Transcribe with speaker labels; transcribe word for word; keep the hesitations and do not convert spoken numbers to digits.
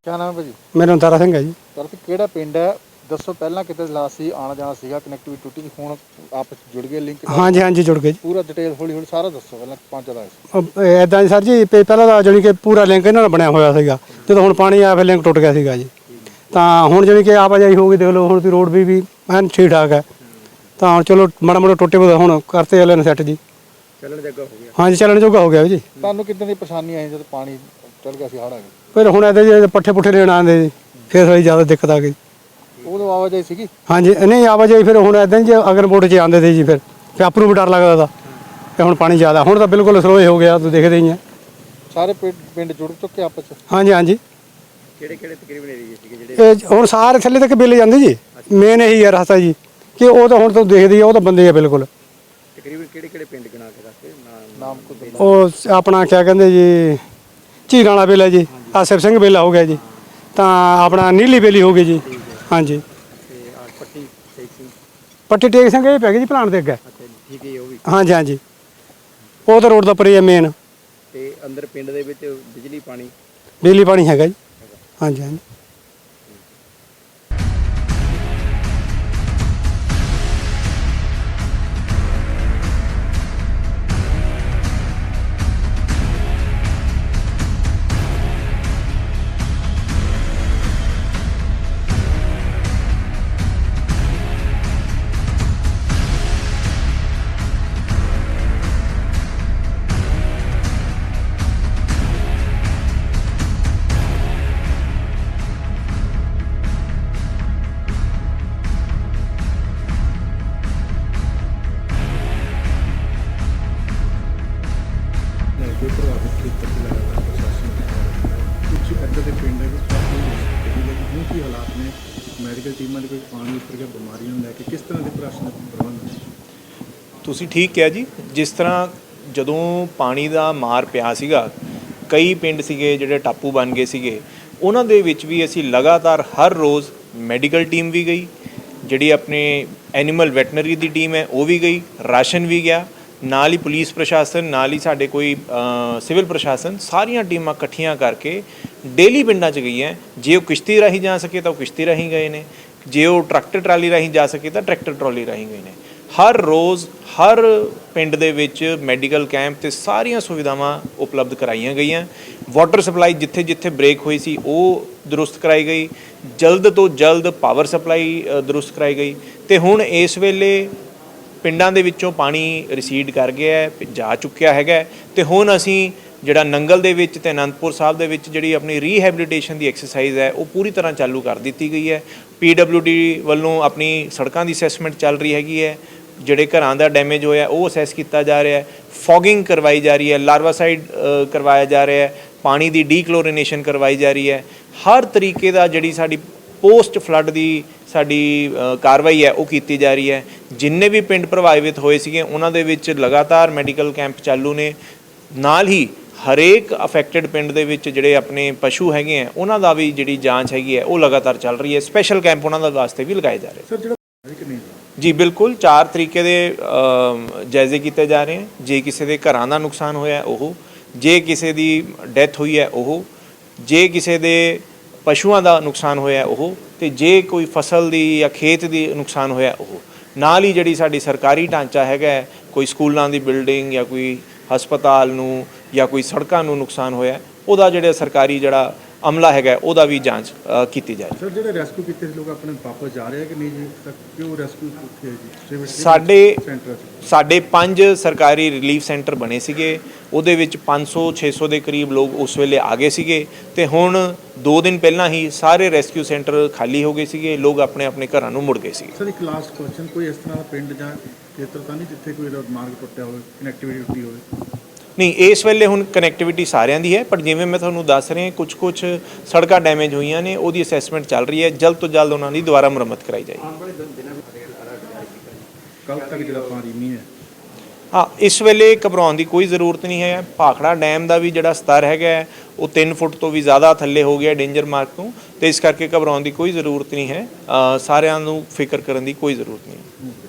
Speaker 1: क्या नाम है भाजी?
Speaker 2: मेरा नाम तारा सिंह है जी।
Speaker 1: तारा सिंह किहड़ा पिंड है? दसो पहला किते ला सी आना जाना सीगा कनैक्टिविटी टूटी सी हुण आपस जुड़ गए लिंक
Speaker 2: हाँ जी हाँ जी जुड़ गए जी।
Speaker 1: पूरा डिटेल हौली हौली सारा दसो पहला पहुंचदा है
Speaker 2: इदां जी सर जी ਪਹਿਲਾਂ ਤਾਂ ਜਾਣੀ ਕਿ ਪੂਰਾ ਲਿੰਕ ਇਹਨਾਂ ਨਾਲ ਬਣਿਆ ਹੋਇਆ ਸੀਗਾ। ਜਦੋਂ ਹੁਣ ਪਾਣੀ ਆਇਆ ਫਿਰ ਲਿੰਕ ਟੁੱਟ ਗਿਆ ਸੀਗਾ ਜੀ। ਤਾਂ ਹੁਣ ਜਾਣੀ ਕਿ ਆਵਾਜਾਈ ਹੋ ਗਈ ਦੇਖ ਲਓ ਹੁਣ ਦੀ ਰੋਡ ਵੀ ਵੀ ਐਨ ਠੀਕ ਠਾਕ ਹੈ। ਤਾਂ ਹੁਣ ਚਲੋ ਮਾੜਾ ਮੋਟਾ ਟੁੱਟੇ ਹੋਏ ਹੁਣ ਕਰਤੇ ਵਾਲੇ ਨੇ ਸੈੱਟ ਜੀ।
Speaker 1: ਚੱਲਣ ਜੋਗਾ ਹੋ ਗਿਆ।
Speaker 2: ਹਾਂ ਜੀ ਚੱਲਣ ਜੋਗਾ ਹੋ ਗਿਆ ਜੀ।
Speaker 1: ਤੁਹਾਨੂੰ ਕਿੱਦਾਂ ਦੀ ਪਰੇਸ਼ਾਨੀ ਆਈ ਜਦੋਂ ਪਾਣੀ ਚੱਲ ਗਿਆ ਸੀ ਹੜ੍ਹ ਆ ਗਿਆ?
Speaker 2: ਫਿਰ ਹੁਣ ਇਹਦੇ ਜੇ ਪੱਠੇ ਪੁੱਠੇ ਲੈਣ ਆਉਂਦੇ ਜੀ ਫਿਰ ਥੋੜੀ ਜ਼ਿਆਦਾ ਦਿੱਕਤ ਆ ਗਈ।
Speaker 1: ਉਦੋਂ ਆਵਾਜਾਈ ਸੀਗੀ?
Speaker 2: ਹਾਂਜੀ ਨਹੀਂ ਆਵਾਜਾਈ ਫਿਰ ਹੁਣ ਇਦਾਂ ਜੇ ਅਗਰ ਬੋਟ 'ਚ ਆਉਂਦੇ ਸੀ ਜੀ ਫਿਰ ਫਿਰ ਆਪ ਨੂੰ ਵੀ ਡਰ ਲੱਗਦਾ ਤਾ ਤੇ ਹੁਣ ਪਾਣੀ ਜ਼ਿਆਦਾ ਹੁਣ ਤਾਂ ਬਿਲਕੁਲ ਸਲੋਏ ਹੋ ਗਿਆ ਤੁਸੀਂ ਦੇਖਦੇ ਹੀ ਆ।
Speaker 1: ਸਾਰੇ ਪਿੰਡ ਪਿੰਡ ਜੁੜ ਚੁੱਕੇ ਆਪਸ ਚ?
Speaker 2: ਹਾਂਜੀ ਹਾਂਜੀ।
Speaker 1: ਕਿਹੜੇ ਕਿਹੜੇ ਤਕਰੀਬਨ ਏਰੀਏ ਸੀਗੇ ਜਿਹੜੇ
Speaker 2: ਇਹ ਹੁਣ ਸਾਰੇ ਥੱਲੇ ਤੱਕ ਬਿੱਲ ਜਾਂਦੇ ਜੀ। ਮੇਨ ਇਹੀ ਹੈ ਰਸਤਾ ਜੀ ਕਿ ਉਹ ਤਾਂ ਹੁਣ ਤੋਂ ਦੇਖਦੇ ਆ ਉਹ ਤਾਂ ਬੰਦੇ ਆ ਬਿਲਕੁਲ।
Speaker 1: ਤਕਰੀਬਨ ਕਿਹੜੇ ਕਿਹੜੇ ਪਿੰਡ ਗਿਣਾ ਕੇ ਦੱਸਦੇ ਨਾਮ ਕੋਈ?
Speaker 2: ਉਹ ਆਪਣਾ ਕਿਆ ਕਹਿੰਦੇ ਜੀ ਝੀਰਾਂ ਵਾਲਾ ਬੇਲਾ ਜੀ, ਆਸਿਫ ਸਿੰਘ ਬੇਲਾ ਹੋ ਗਿਆ ਜੀ, ਤਾਂ ਆਪਣਾ ਨੀਲੀ ਬੇਲੀ ਹੋ ਗਈ ਜੀ। ਹਾਂਜੀ
Speaker 1: ਤੇ ਆ ਪੱਟੀ ਟੇਕ ਸਿੰਘ
Speaker 2: ਪੱਟੀ ਟੇਕ ਸਿੰਘ ਇਹ ਪੈ ਗਈ ਜੀ ਪਲਾਨ ਦੇ ਅੱਗੇ।
Speaker 1: ਅੱਛਾ ਠੀਕ ਹੈ ਉਹ ਵੀ?
Speaker 2: ਹਾਂਜੀ ਹਾਂਜੀ ਉਹ ਤਾਂ ਰੋਡ ਦਾ ਪਰੇ ਹੈ ਮੇਨ।
Speaker 1: ਤੇ ਅੰਦਰ ਪਿੰਡ ਦੇ ਵਿੱਚ ਬਿਜਲੀ ਪਾਣੀ
Speaker 2: ਬਿਜਲੀ ਪਾਣੀ ਹੈਗਾ ਜੀ। ਹਾਂਜੀ ਹਾਂਜੀ।
Speaker 1: ਕੋਈ ਪ੍ਰਭਾਵਿਤ ਖੇਤਰ ਚ ਲਗਾਤਾਰ ਪ੍ਰਸ਼ਾਸਨ ਕੁਝ ਇੱਦਾਂ ਦੇ ਪਿੰਡ ਹੈ ਜਿਵੇਂ ਕੀ ਹਾਲਾਤ ਨੇ ਮੈਡੀਕਲ ਟੀਮਾਂ ਦੇ ਕੋਈ ਪਾਣੀ ਉੱਪਰ ਗਿਆ ਬਿਮਾਰੀਆਂ ਨੂੰ ਲੈ ਕੇ ਕਿਸ ਤਰ੍ਹਾਂ ਦੇ ਪ੍ਰਸ਼ਾਸਨ ਪ੍ਰਬੰਧ ਨੇ?
Speaker 3: ਤੁਸੀਂ ਠੀਕ ਕਿਹਾ ਜੀ। ਜਿਸ ਤਰ੍ਹਾਂ ਜਦੋਂ ਪਾਣੀ ਦਾ ਮਾਰ ਪਿਆ ਸੀਗਾ ਕਈ ਪਿੰਡ ਸੀਗੇ ਜਿਹੜੇ ਟਾਪੂ ਬਣ ਗਏ ਸੀਗੇ ਉਹਨਾਂ ਦੇ ਵਿੱਚ ਵੀ ਅਸੀਂ ਲਗਾਤਾਰ ਹਰ ਰੋਜ਼ ਮੈਡੀਕਲ ਟੀਮ ਵੀ ਗਈ, ਜਿਹੜੀ ਆਪਣੇ ਐਨੀਮਲ ਵੈਟਨਰੀ ਦੀ ਟੀਮ ਹੈ ਉਹ ਵੀ ਗਈ, ਰਾਸ਼ਨ ਵੀ ਗਿਆ, ਨਾਲ ਹੀ ਪੁਲਿਸ ਪ੍ਰਸ਼ਾਸਨ ਨਾਲ ਹੀ ਸਾਡੇ ਕੋਈ ਸਿਵਲ ਪ੍ਰਸ਼ਾਸਨ ਸਾਰੀਆਂ ਟੀਮਾਂ ਇਕੱਠੀਆਂ ਕਰਕੇ ਡੇਲੀ ਪਿੰਡਾਂ 'ਚ ਗਈਆਂ। ਜੇ ਉਹ ਕਿਸ਼ਤੀ ਰਾਹੀਂ ਜਾ ਸਕੇ ਤਾਂ ਉਹ ਕਿਸ਼ਤੀ ਰਾਹੀਂ ਗਏ ਨੇ, ਜੇ ਉਹ ਟਰੈਕਟਰ ਟਰਾਲੀ ਰਾਹੀਂ ਜਾ ਸਕੇ ਤਾਂ ਟਰੈਕਟਰ ਟਰਾਲੀ ਰਾਹੀਂ ਗਏ ਨੇ। ਹਰ ਰੋਜ਼ ਹਰ ਪਿੰਡ ਦੇ ਵਿੱਚ ਮੈਡੀਕਲ ਕੈਂਪ ਤੇ ਸਾਰੀਆਂ ਸੁਵਿਧਾਵਾਂ ਉਪਲਬਧ ਕਰਾਈਆਂ ਗਈਆਂ। ਵਾਟਰ ਸਪਲਾਈ ਜਿੱਥੇ ਜਿੱਥੇ ਬ੍ਰੇਕ ਹੋਈ ਸੀ ਉਹ ਦਰੁਸਤ ਕਰਾਈ ਗਈ, ਜਲਦ ਤੋਂ ਜਲਦ ਪਾਵਰ ਸਪਲਾਈ ਦਰੁਸਤ ਕਰਾਈ ਗਈ। ਤੇ ਹੁਣ ਇਸ ਵੇਲੇ ਪਿੰਡਾਂ ਦੇ ਵਿੱਚੋਂ ਪਾਣੀ ਰਿਸੀਡ ਕਰ ਗਿਆ ਹੈ, ਜਾ ਚੁੱਕਿਆ ਹੈਗਾ। ਤੇ ਹੁਣ ਅਸੀਂ ਜਿਹੜਾ ਨੰਗਲ ਦੇ ਵਿੱਚ ਤੇ ਅਨੰਦਪੁਰ ਸਾਹਿਬ ਦੇ ਵਿੱਚ ਜਿਹੜੀ ਆਪਣੀ ਰੀਹੈਬਿਲਿਟੇਸ਼ਨ ਦੀ ਐਕਸਰਸਾਈਜ਼ ਹੈ ਉਹ ਪੂਰੀ ਤਰ੍ਹਾਂ ਚਾਲੂ ਕਰ ਦਿੱਤੀ ਗਈ ਹੈ। ਪੀ ਡਬਲਿਊ ਡੀ ਵੱਲੋਂ ਆਪਣੀ ਸੜਕਾਂ ਦੀ ਅਸੈਸਮੈਂਟ ਚੱਲ ਰਹੀ ਹੈਗੀ ਹੈ, ਜਿਹੜੇ ਘਰਾਂ ਦਾ ਡੈਮੇਜ ਹੋਇਆ ਉਹ ਅਸੈਸ ਕੀਤਾ ਜਾ ਰਿਹਾ ਹੈ, ਫੋਗਿੰਗ ਕਰਵਾਈ ਜਾ ਰਹੀ ਹੈ, ਲਾਰਵਾਸਾਈਡ ਕਰਵਾਇਆ ਜਾ ਰਿਹਾ ਹੈ, ਪਾਣੀ ਦੀ ਡੀਕਲੋਰੀਨੇਸ਼ਨ ਕਰਵਾਈ ਜਾ ਰਹੀ ਹੈ। ਹਰ ਤਰੀਕੇ ਦਾ ਜਿਹੜੀ ਸਾਡੀ ਪੋਸਟ ਫਲੱਡ ਦੀ ਸਾਡੀ ਕਾਰਵਾਈ ਹੈ ਉਹ ਕੀਤੀ ਜਾ ਰਹੀ ਹੈ। ਜਿੰਨੇ ਵੀ ਪਿੰਡ ਪ੍ਰਭਾਵਿਤ ਹੋਏ ਸੀਗੇ ਉਹਨਾਂ ਦੇ ਵਿੱਚ ਲਗਾਤਾਰ ਮੈਡੀਕਲ ਕੈਂਪ ਚਾਲੂ ਨੇ। ਨਾਲ ਹੀ ਹਰੇਕ ਅਫੈਕਟਡ ਪਿੰਡ ਦੇ ਵਿੱਚ ਜਿਹੜੇ ਆਪਣੇ ਪਸ਼ੂ ਹੈਗੇ ਆ ਉਹਨਾਂ ਦਾ ਵੀ ਜਿਹੜੀ ਜਾਂਚ ਹੈਗੀ ਹੈ ਉਹ ਲਗਾਤਾਰ ਚੱਲ ਰਹੀ ਹੈ। ਸਪੈਸ਼ਲ ਕੈਂਪ ਉਹਨਾਂ ਦਾ ਵਾਸਤੇ ਵੀ ਲਗਾਏ ਜਾ ਰਹੇ
Speaker 1: ਸਰ ਜਿਹੜਾ ਨਹੀਂ
Speaker 3: ਜੀ ਬਿਲਕੁਲ ਚਾਰ ਤਰੀਕੇ ਦੇ ਜਾਇਜ਼ੇ ਕੀਤੇ ਜਾ ਰਹੇ ਹਨ। ਜੇ ਕਿਸੇ ਦੇ ਘਰਾਂ ਦਾ ਨੁਕਸਾਨ ਹੋਇਆ ਉਹ, ਜੇ ਕਿਸੇ ਦੀ ਡੈਥ ਹੋਈ ਹੈ ਉਹ, ਜੇ ਕਿਸੇ ਦੇ ਪਸ਼ੂਆਂ ਦਾ ਨੁਕਸਾਨ ਹੋਇਆ ਉਹ, ਤੇ ਜੇ ਕੋਈ ਫਸਲ ਦੀ ਜਾਂ ਖੇਤ ਦੀ ਨੁਕਸਾਨ ਹੋਇਆ ਉਹ। ਨਾਲ ਹੀ ਜਿਹੜੀ ਸਾਡੀ ਸਰਕਾਰੀ ਢਾਂਚਾ ਹੈਗਾ, ਕੋਈ ਸਕੂਲਾਂ ਦੀ ਬਿਲਡਿੰਗ ਜਾਂ ਕੋਈ ਹਸਪਤਾਲ ਨੂੰ ਜਾਂ ਕੋਈ ਸੜਕਾਂ ਨੂੰ ਨੁਕਸਾਨ ਹੋਇਆ ਉਹਦਾ ਜਿਹੜਾ ਸਰਕਾਰੀ ਜਿਹੜਾ ਅਮਲਾ ਹੈਗਾ ਉਹਦਾ ਵੀ ਜਾਂਚ ਕੀਤੀ ਜਾਏ।
Speaker 1: ਸਰ ਜਿਹੜੇ ਰੈਸਕਿਊ ਕੀਤੇ ਲੋਕ ਆਪਣੇ ਵਾਪਸ ਜਾ ਰਹੇ ਆ ਕਿ ਨਹੀਂ ਜੀ? ਤੱਕ ਕਿਉਂ ਰੈਸਕਿਊ ਕਿੱਥੇ ਹੈ ਜੀ?
Speaker 3: ਸਾਡੇ
Speaker 1: ਸੈਂਟਰ
Speaker 3: ਸਾਡੇ ਪੰਜ ਸਰਕਾਰੀ ਰਿਲੀਫ ਸੈਂਟਰ ਬਣੇ ਸੀਗੇ, ਉਹਦੇ ਵਿੱਚ ਪੰਜ ਸੌ ਛੇ ਸੌ ਦੇ ਕਰੀਬ ਲੋਕ ਉਸ ਵੇਲੇ ਆ ਗਏ ਸੀਗੇ। ਤੇ ਹੁਣ ਦੋ ਦਿਨ ਪਹਿਲਾਂ ਹੀ ਸਾਰੇ ਰੈਸਕਿਊ ਸੈਂਟਰ ਖਾਲੀ ਹੋ ਗਏ ਸੀਗੇ, ਲੋਕ ਆਪਣੇ ਆਪਣੇ ਘਰਾਂ ਨੂੰ ਮੁੜ ਗਏ ਸੀ।
Speaker 1: ਸਰ ਇੱਕ ਲਾਸਟ ਕੁਐਸਚਨ, ਕੋਈ ਇਸ ਤਰ੍ਹਾਂ ਦਾ ਪਿੰਡ ਜਾਂ ਖੇਤਰ ਤਾਂ ਨਹੀਂ ਜਿੱਥੇ ਕੋਈ ਮਾਰਗ ਟੁੱਟਿਆ ਹੋਵੇ, ਕਨੈਕਟੀਵਿਟੀ ਟੁੱਟੀ ਹੋਵੇ?
Speaker 3: ਨਹੀਂ ਇਸ ਵੇਲੇ ਹੁਣ ਕਨੈਕਟੀਵਿਟੀ ਸਾਰਿਆਂ ਦੀ ਹੈ, ਪਰ ਜਿਵੇਂ ਮੈਂ ਤੁਹਾਨੂੰ ਦੱਸ ਰਿਹਾ ਕੁਝ ਕੁਝ ਸੜਕਾਂ ਡੈਮੇਜ ਹੋਈਆਂ ਨੇ ਉਹਦੀ ਅਸੈਸਮੈਂਟ ਚੱਲ ਰਹੀ ਹੈ, ਜਲਦ ਤੋਂ ਜਲਦ ਉਹਨਾਂ ਦੀ ਦੁਬਾਰਾ ਮੁਰੰਮਤ ਕਰਾਈ ਜਾਏਗੀ।
Speaker 1: ਕੱਲ ਤੱਕ ਜਿਹੜਾ ਪਾਣੀ ਨਹੀਂ ਹੈ
Speaker 3: ਹਾਂ ਇਸ ਵੇਲੇ ਘਬਰਾਉਣ ਦੀ ਕੋਈ ਜ਼ਰੂਰਤ ਨਹੀਂ ਹੈ। ਭਾਖੜਾ ਡੈਮ ਦਾ ਵੀ ਜਿਹੜਾ ਸਤਰ ਹੈਗਾ ਉਹ ਤਿੰਨ ਫੁੱਟ ਤੋਂ ਵੀ ਜ਼ਿਆਦਾ ਥੱਲੇ ਹੋ ਗਿਆ ਡੇਂਜਰ ਮਾਰਕ ਤੋਂ, ਤੇ ਇਸ ਕਰਕੇ ਘਬਰਾਉਣ ਦੀ ਕੋਈ ਜ਼ਰੂਰਤ ਨਹੀਂ ਹੈ। ਸਾਰਿਆਂ ਨੂੰ ਫਿਕਰ ਕਰਨ ਦੀ ਕੋਈ ਜ਼ਰੂਰਤ ਨਹੀਂ।